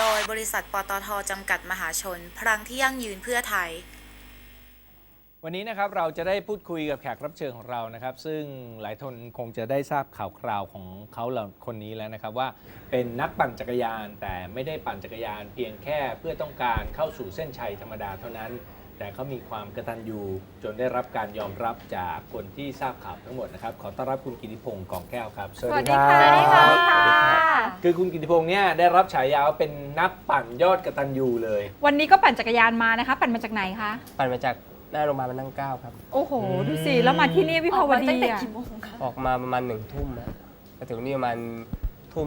โดยบริษัทปตท.จำกัดมหาชนพลังที่ยั่งยืนเพื่อไทยวันนี้นะครับเราจะได้พูดคุยกับแขกรับเชิญของเรานะครับซึ่งหลายคนคงจะได้ทราบข่าวคราวของเขาคนนี้แล้วนะครับว่าเป็นนักปั่นจักรยานแต่ไม่ได้ปั่นจักรยานเพียงแค่เพื่อต้องการเข้าสู่เส้นชัยธรรมดาเท่านั้นแต่เขามีความกตัญญูจนได้รับการยอมรับจากคนที่ทราบข่าวทั้งหมดนะครับขอต้อนรับคุณกิติพงศ์กองแก้วครับสวัสดีค่ะคือคุณกิติพงศ์เนี่ยได้รับฉายาว่าเป็นนักปั่นยอดกตัญญูเลยวันนี้ก็ปั่นจักรยานมานะคะปั่นมาจากไหนคะปั่นมาจากหน้าโรงพยาบาลพระนั่งเกล้าครับโอ้โหดูสิแล้วมาที่นี่วิภาวดีออกมาประมาณ1 ทุ่มมาถึงนี่ประมาณทุ่ม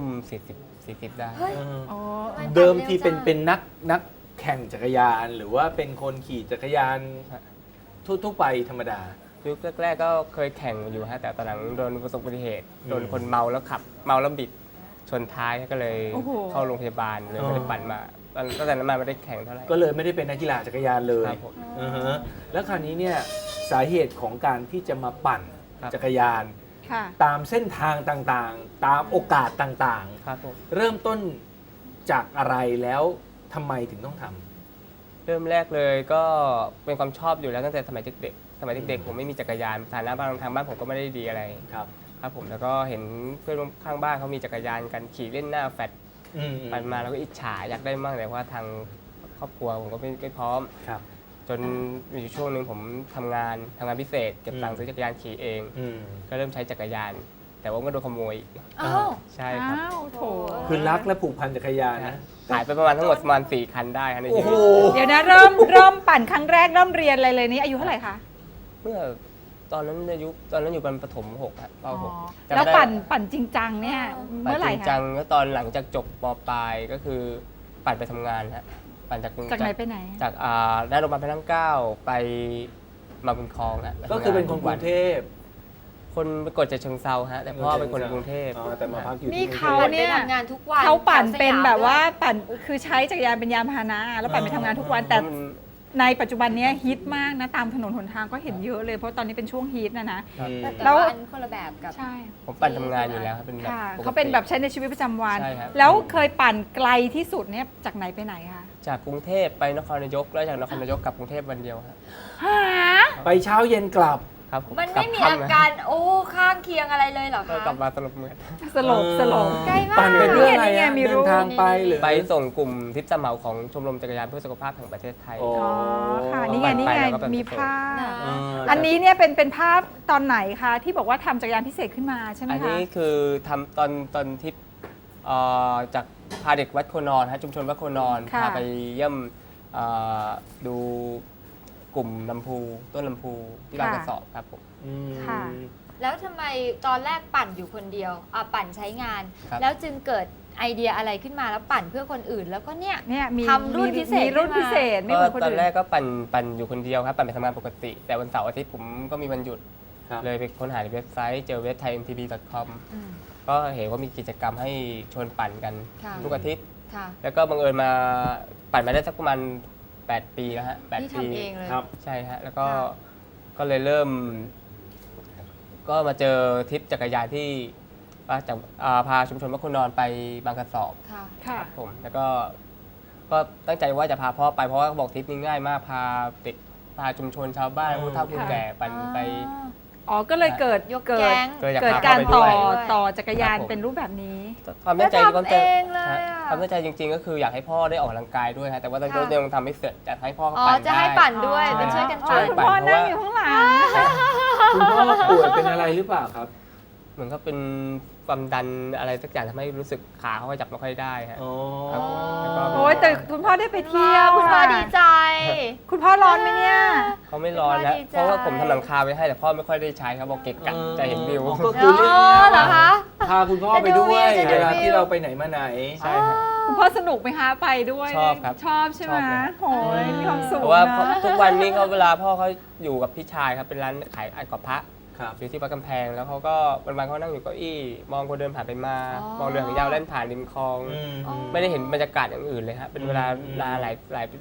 40ได้เดิมทีเป็นนักแข่งจักรยานหรือว่าเป็นคนขี่จักรยานทั่วไปธรรมดายุคแรกๆก็เคยแข่งอยู่ฮะแต่ตอนหลังโดนประสบอุบัติเหตุโดนคนเมาแล้วขับเมาแล้วบิดชนท้ายก็เลยเข้าโรงพยาบาลเลยไม่ได้ปั่นมาตั้งแต่นั้นมาไม่ได้แข่งเท่าไหร่ก็เลยไม่ได้เป็นนักกีฬาจักรยานเลยแล้วคราวนี้เนี่ยสาเหตุของการที่จะมาปั่นจักรยานตามเส้นทางต่างๆตามโอกาสต่างๆเริ่มต้นจากอะไรแล้วทำไมถึงต้องทำเริ่มแรกเลยก็เป็นความชอบอยู่แล้วตั้งแต่สมัยเด็กๆผมไม่มีจักรยานฐานะบ้านทางบ้านผมก็ไม่ได้ดีอะไรครับผมแล้วก็เห็นเพื่อนข้างบ้านเขามีจักรยานกันขี่เล่นหน้าแฟลตปั่นมาแล้วก็อิจฉาอยากได้มากแต่ว่าทางครอบครัวผมก็ไม่พร้อมจนมีช่วงหนึ่งผมทำงานพิเศษเก็บตังค์ซื้อจักรยานขี่เองก็เริ่มใช้จักรยานแต่ว่าก็โดนขโมยใช่ครับคือรักและผูกพันจักรยานนะหายไปประมาณทั้งหมดประมาณ4 คันได้ในชีวิตเดี๋ยวนะเริ่มปั่นครั้งแรกเริ่มเรียนอะไรเลยนี่อายุเท่าไหร่คะเมื่อตอนนั้นอยู่ประถม6ครับป .6 แล้วปั่นจริงจังเนี่ยเมื่อไหร่คะจริงจังก็ตอนหลังจากจบป.ปลายก็คือปั่นไปทำงานฮะปั่นจากไหนไปไหนจากหน้าโรงพยาบาลพระนั่งเกล้าไปมาบุญคลองฮะก็คือเป็นคนกรุงเทพคนไปกดจากเชิงเซาฮะแต่พ่อเป็นคนกรุงเทพแต่มาพักอยู่นี่เขาเนี่ยทำงานทุกวันเขาปั่นเป็นแบบว่าปั่นคือใช้จักรยานเป็นยานพาหนะแล้วปั่นไปทำงานทุกวันแต่ในปัจจุบันนี้ฮิตมากนะตามถนนหนทางก็เห็นเยอะเลยเพราะตอนนี้เป็นช่วงฮิตนะแล้วอันคนละแบบกับใช่ผมปั่นทำงานอยู่แล้วเป็นแบบเขาเป็นแบบใช้ในชีวิตประจำวันแล้วเคยปั่นไกลที่สุดเนี่ยจากไหนไปไหนคะจากกรุงเทพไปนครนายกแล้วจากนครนายกกลับกรุงเทพวันเดียวครับไปเช้าเย็นกลับมันไม่มีอาการข้างเคียงอะไรเลยเหรอคะกลับมาสลบเหมือนสลบใกล้มากปั่นเป็นเรื่องอะไรเดินทางไปหรือไปส่งกลุ่มทริปสมัครของชมรมจักรยานเพื่อสุขภาพแห่งประเทศไทยค่ะนี่ไงมีภาพอันนี้เนี่ยเป็นภาพตอนไหนคะที่บอกว่าทำจักรยานพิเศษขึ้นมาใช่ไหมคะอันนี้คือทำตอนทริปจากพาเด็กวัดโคนอนชุมชนวัดโคนอนพาไปเยี่ยมดูกลุ่มลำพูต้นลำพูที่บางกระสอบครับผมค่ะแล้วทำไมตอนแรกปั่นอยู่คนเดียวปั่นใช้งานแล้วจึงเกิดไอเดียอะไรขึ้นมาแล้วปั่นเพื่อคนอื่นแล้วก็เนี่ยทำรุ่นพิเศษไม่เหมือนคนอื่นตอนแรกก็ปั่นอยู่คนเดียวครับปั่นไปทำงานปกติแต่วันเสาร์อาทิตย์ผมก็มีวันหยุดเลยไปค้นหาในเว็บไซต์เจอเว็บ thaimtb.com ก็เห็นว่ามีกิจกรรมให้ชวนปั่นกันทุกอาทิตย์แล้วก็บังเอิญมาปั่นมาได้สักประมาณ8 ปีแล้วฮะ 8 ปีครับใช่ฮะแล้วก็เลยเริ่มก็มาเจอทริปจักรยานที่จากพาชุมชนวัดโคนอนไปบางกระสอบครับผมแล้วก็ตั้งใจว่าจะพาพ่อไปเพราะว่าบอกทริปนี้ง่ายมากพาเด็กพาชุมชนชาวบ้านผู้เฒ่าผู้แก่ปั่นไปก็เลยเกิดการต่อจักรยานเป็นรูปแบบนี้ความตั้งใจจริงๆก็คืออยากให้พ่อได้ออกกำลังกายด้วยฮะแต่ว่าตอนนี้ยังทำไม่เสร็จจะให้พ่อปั่นได้จะให้ปั่นด้วยเป็นช่วยกันปั่นคุณพ่อนั่งอยู่ข้างหลังคุณพ่อป่วยเป็นอะไรหรือเปล่าครับเหมือนก็เป็นความดันอะไรสักอย่างทำให้รู้สึกขาเขาจับไม่ค่อยได้ฮะโอ้ยแต่คุณพ่อได้ไปเที่ยวคุณพ่อดีใจคุณพ่อร้อนไหมเนี่ยเขาไม่ร้อนนะเพราะว่าผมทำหลังคาไว้ให้แต่พ่อไม่ค่อยได้ใช้เขาบอกเกะกะจะเห็นวิวก็คือเรื่องนี้พาคุณพ่อไปด้วยเวลาที่เราไปไหนมาไหนใช่ครับคุณพ่อสนุกไหมคะไปด้วยชอบครับชอบใช่ไหมโอ้ยมีความสุขเพราะว่าทุกวันนี้เขาเวลาพ่อเขาอยู่กับพี่ชายครับเป็นร้านขายไอ้กอบพระอยู่ที่วัดกำแพงแล้วเขาก็วันๆเขานั่งอยู่เก้าอี้มองคนเดินผ่านไปมามองเรือหางยาวเล่นผ่านริมคลองไม่ได้เห็นบรรยากาศอย่างอื่นเลยครับเป็นเวลาหลายเป็น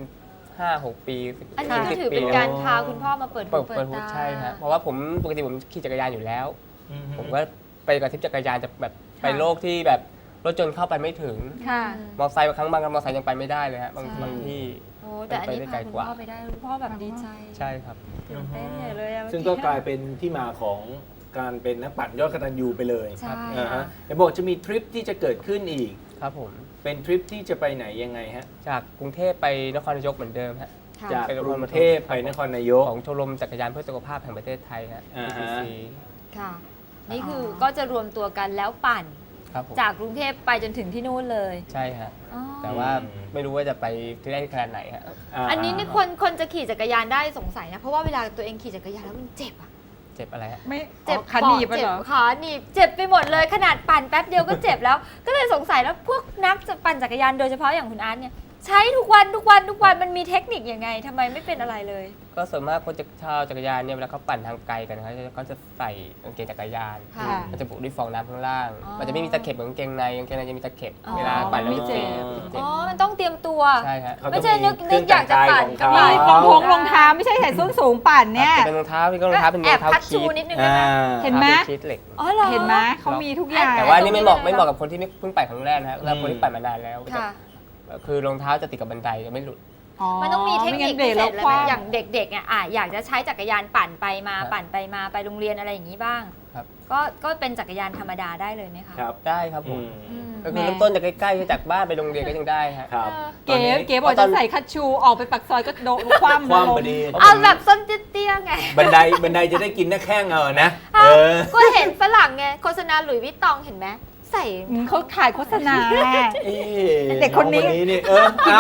5-6 ปีอันนี้ก็ถือเป็นการพาคุณพ่อมาเปิดหูใช่ครับเพราะว่าผมปกติผมขี่จักรยานอยู่แล้วผมก็ไปกับทริปจักรยานจะแบบไปโลกที่แบบรถยนต์เข้าไปไม่ถึงค่ะมอเตอร์ไซค์บางครั้งบางมอเตอร์ไซค์ยังไปไม่ได้เลยฮะบางใช่บางที่โอ้แต่อันนี้ไปได้พาไกลคุณกว่าพ่อไปได้คุณพ่อแบบดีใจใช่ครับตื่นเต้นใหญ่เลยอะซึ่งก็กลายเป็นที่มาของการเป็นนักปั่นยอดกตัญญูไปเลยใช่อ่าค่ะฮะเห็นบอกจะมีทริปที่จะเกิดขึ้นอีกครับผมเป็นทริปที่จะไปไหนยังไงฮะจากกรุงเทพไปนครนายกเหมือนเดิมฮะค่ะจากกรุงเทพไปนครนายกของชมรมจักรยานเพื่อสุขภาพแห่งประเทศไทยฮะอ่าฮะ TCC ค่ะ นี่คือก็จะรวมตัวกันแล้วปั่นครับผมจากกรุงเทพไปจนถึงที่นู่นเลยใช่ฮะอ๋อแต่ว่าไม่รู้ว่าจะไปที่ได้ขนาดไหนฮะอันนี้นี่คนจะขี่จักรยานได้สงสัยนะ เพราะว่าเวลาตัวเองขี่จักรยานแล้วมันเจ็บอะเจ็บอะไรฮะไม่เจ็บขาหนีบปอดเหรอเจ็บขาหนีบเจ็บไปหมดเลยขนาดปั่นแป๊บเดียวก็เจ็บแล้ว ก็เลยสงสัยแล้วพวกนักปั่นจักรยานโดยเฉพาะอย่างคุณอาร์ตเนี่ยใช้ทุกวันมันมีเทคนิคยังไงทำไมไม่เป็นอะไรเลยก็ส่วนมากคนชาวจักรยานเนี่ยเวลาเขาปั่นทางไกลกันนะครับก็จะใส่กางเกงจักรยานค่ะมันจะบุด้วยฟองน้ำข้างล่างอ๋อมันจะไม่มีตะเข็บเหมือนกางเกงในจะมีตะเข็บอ๋อเวลาปั่นแล้วมันไม่เจ็บเจ็บอ๋อมันต้องเตรียมตัวใช่ฮะเขาไม่ต้องใช่นึกเครื่องอยากจะปั่นแต่งกายก็ของมีเขารองเท้าไม่ใช่ใส่ส้นสูงปั่นเนี่ยจะเป็นรองเท้าพี่ก็รองเท้าเป็นแอรบองเท้าพัดคีชูทนิดนึงได้ไหมเห็นไหมคีทเหล็กอ๋อเหรอเห็นไหมเขามีทุกอย่างแต่ว่าอันนี่ไม่เหมาะตรงนี้ไม่เหมาะกับคนที่เพิ่งปั่นครั้งแรกนะฮะแล้วคนที่ปั่นมานานแล้วค่ะคือรองเท้าจะติดกับบันไดจะไม่หลุดมันต้องมีเทคนิคไม่พิงั้นเบรกเศแล้วษอะไรคไหมว่ำอย่างเด็กๆเนี่ยอยากจะใช้จักรยานปั่นไปมาครับปั่นไปมาไปโรงเรียนอะไรอย่างนี้บ้างครับก็เป็นจักรยานธรรมดาได้เลยไหมคะครับได้ครับผอืมมอืมก็คือเริ่มต้นจากใกล้ๆจากบ้านไปโรงเรียนก็ยังได้ฮะครับเก๋เก๋บอกจะใส่คัชชูออกไปปักซอยก็โดนคว่ำความลงพอดีเอาแบบส้นเตี้ยๆไงบันไดจะได้กินหน้าแข้งนะเอาเออก็เห็นฝรั่งไงโฆษณาหลุยส์วิตตองเห็นไหมใส่เขาถ่ายโฆษณาเอ๊ะเด็กคนนี้องนี่เออเอา